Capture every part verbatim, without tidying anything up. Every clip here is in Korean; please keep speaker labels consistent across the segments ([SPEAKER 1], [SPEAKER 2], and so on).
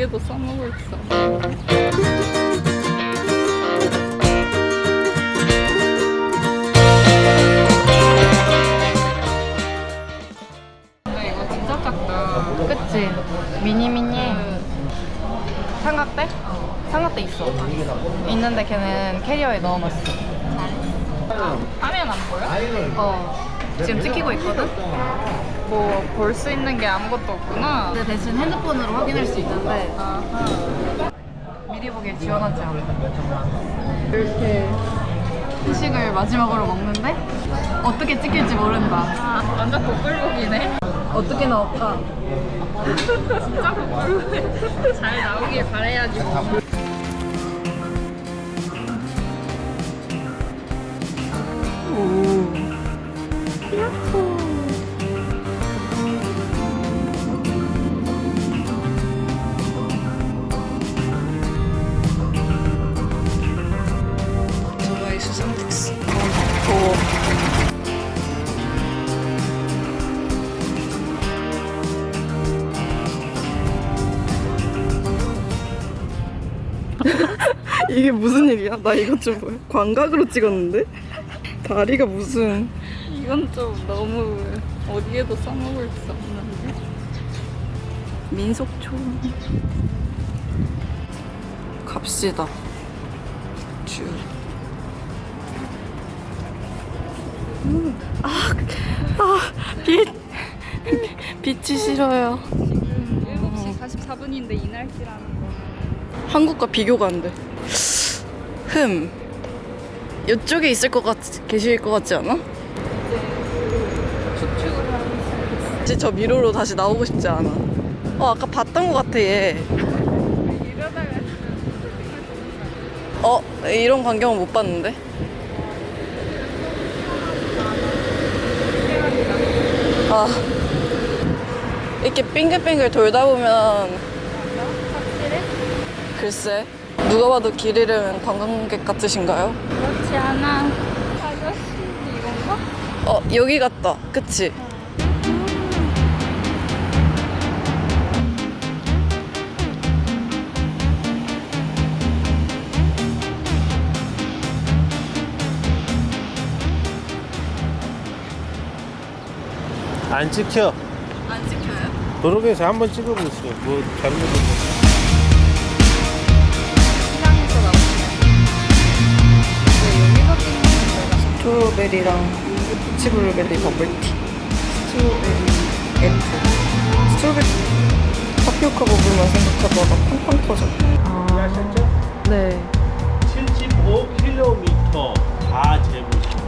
[SPEAKER 1] 어디에도 써먹을 수 없어. 근데 이거 진짜 작다.
[SPEAKER 2] 그치? 미니미니. 삼각대? 삼각대 있어. 있는데 걔는 캐리어에 넣어놨어.
[SPEAKER 1] 화면 안 보여?
[SPEAKER 2] 어. 지금 찍히고 있거든?
[SPEAKER 1] 뭐 볼 수 있는 게 아무것도 없구나.
[SPEAKER 2] 근데 대신 핸드폰으로 확인할 수 있는데
[SPEAKER 1] 아하.
[SPEAKER 2] 미리 보기에 지원하지 않아. 이렇게 후식을 마지막으로 먹는데 어떻게 찍힐지 모른다.
[SPEAKER 1] 아, 완전 복불복이네.
[SPEAKER 2] 어떻게 나올까?
[SPEAKER 1] 진짜 복불복해. 잘 나오길 바라야지 뭐.
[SPEAKER 2] 오. 야호. 저거의 수상 특수. 더워. 이게 무슨 일이야? 나 이거 좀 뭐야? 광각으로 찍었는데? 다리가 무슨
[SPEAKER 1] 이건 좀 너무 어디에도 써먹을 수 없는데.
[SPEAKER 2] 민속촌. 갑시다. 쭉. 음. 아, 아, 빛. 빛이 싫어요.
[SPEAKER 1] 지금 일곱 시 사십사 분인데 이 날씨라는 거.
[SPEAKER 2] 한국과 비교가 안 돼. 흠. 이쪽에 있을 것 같, 계실 것 같지 않아?
[SPEAKER 1] 추측을 하는
[SPEAKER 2] 이제 저 미로로 다시 나오고 싶지 않아. 어, 아까 봤던 것 같아, 얘.
[SPEAKER 1] 이러다가
[SPEAKER 2] 어, 이런 광경은 못 봤는데? 아, 이렇게 빙글빙글 돌다 보면
[SPEAKER 1] 확실해?
[SPEAKER 2] 글쎄, 누가 봐도 길 잃은 관광객 같으신가요?
[SPEAKER 1] 그렇지 않아. 아저씨 이건가?
[SPEAKER 2] 어, 여기 같다. 그치?
[SPEAKER 3] 안 찍혀.
[SPEAKER 2] 안 찍혀요?
[SPEAKER 3] 도로에서 한번 찍어보세요. 뭐 잘못된
[SPEAKER 1] 시장에서 나오시네. 왜 여기서 찍는 거야?
[SPEAKER 2] 스트로베리랑 피치블루베리 버블티. 스트로베리 F. 스트로베리 타피오카 버블만 생각하다가 팡팡 터져.
[SPEAKER 3] 거 하셨죠?
[SPEAKER 2] 네.
[SPEAKER 3] 칠십오 킬로미터 다 재보시고.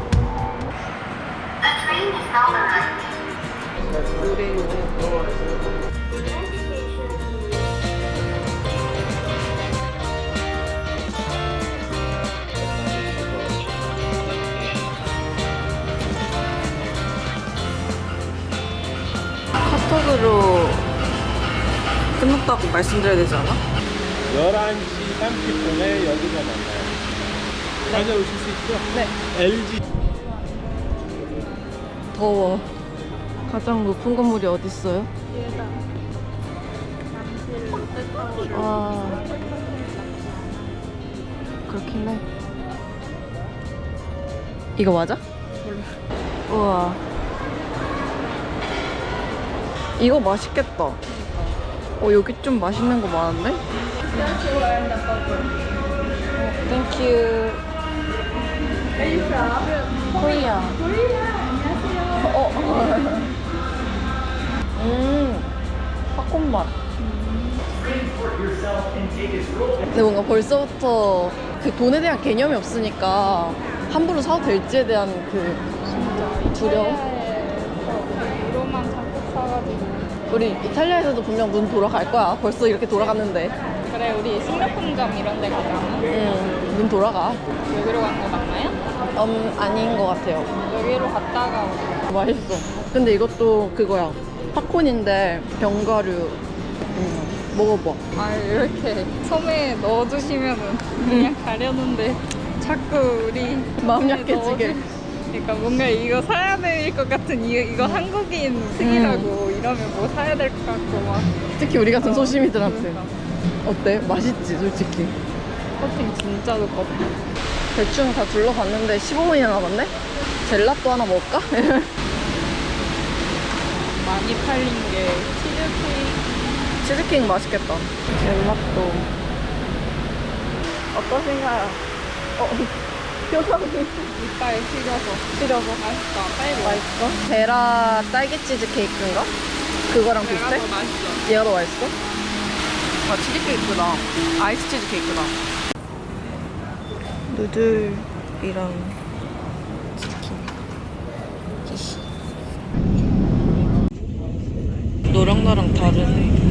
[SPEAKER 2] 카톡으로 끝났다고 말씀드려야 되지 않아?
[SPEAKER 3] 열한 시 삼십 분에 여기서 만나요. 다녀오실 수 있죠?
[SPEAKER 2] 네.
[SPEAKER 3] 엘지.
[SPEAKER 2] 더워. 가장 높은 건물이 어디 있어요?
[SPEAKER 1] 얘다. 잠실 롯데타워.
[SPEAKER 2] 와. 그렇긴 해. 이거 맞아? 몰라. 우와. 이거 맛있겠다. 어, 여기 좀 맛있는 거 많은데? 어, 땡큐. 코리아. 어. 음. 팝콘 맛. 근데 뭔가 벌써부터 그 돈에 대한 개념이 없으니까 함부로 사도 될지에 대한 그 두려움?
[SPEAKER 1] 이로만 자꾸 사가지고.
[SPEAKER 2] 우리 이탈리아에서도 분명 눈 돌아갈 거야. 벌써 이렇게 돌아갔는데.
[SPEAKER 1] 그래 우리 식료품점 이런 데 가잖아.
[SPEAKER 2] 응, 눈 돌아가.
[SPEAKER 1] 여기로 간 거 맞나요?
[SPEAKER 2] 음, 아닌 것 같아요.
[SPEAKER 1] 여기로 갔다가 오자.
[SPEAKER 2] 맛있어. 근데 이것도 그거야. 팝콘인데 견과류. 음, 먹어봐.
[SPEAKER 1] 아 이렇게 섬에 넣어주시면은 그냥 가려는데 자꾸 우리
[SPEAKER 2] 마음
[SPEAKER 1] 섬에
[SPEAKER 2] 약해지게.
[SPEAKER 1] 넣어주- 그러니까 뭔가 이거 사야 될 것 같은 이, 이거 한국인 특이라고 이러면 뭐 사야 될 것 같고 막
[SPEAKER 2] 특히 우리 같은
[SPEAKER 1] 어,
[SPEAKER 2] 소시민들한테.
[SPEAKER 1] 그러니까.
[SPEAKER 2] 어때? 맛있지 솔직히.
[SPEAKER 1] 커팅 진짜 두껍다.
[SPEAKER 2] 대충 다 둘러봤는데 십오 분이나 남았네? 젤라또 하나 먹을까?
[SPEAKER 1] 많이 팔린 게 치즈케이크,
[SPEAKER 2] 치즈케이크 맛있겠다.
[SPEAKER 1] 젤라또.
[SPEAKER 2] 어떠신가요? 어, 표정이
[SPEAKER 1] 이빨 시려서.
[SPEAKER 2] 시려서.
[SPEAKER 1] 맛있다. 빨리 먹어.
[SPEAKER 2] 맛있어? 베라 딸기 치즈케이크인가? 그거랑
[SPEAKER 1] 내가
[SPEAKER 2] 비슷해?
[SPEAKER 1] 더 맛있어.
[SPEAKER 2] 얘가 더 맛있어? 아, 치즈케이크다. 아이스 치즈케이크다. 누들이랑 치킨. 히히. 너랑 나랑 다르네.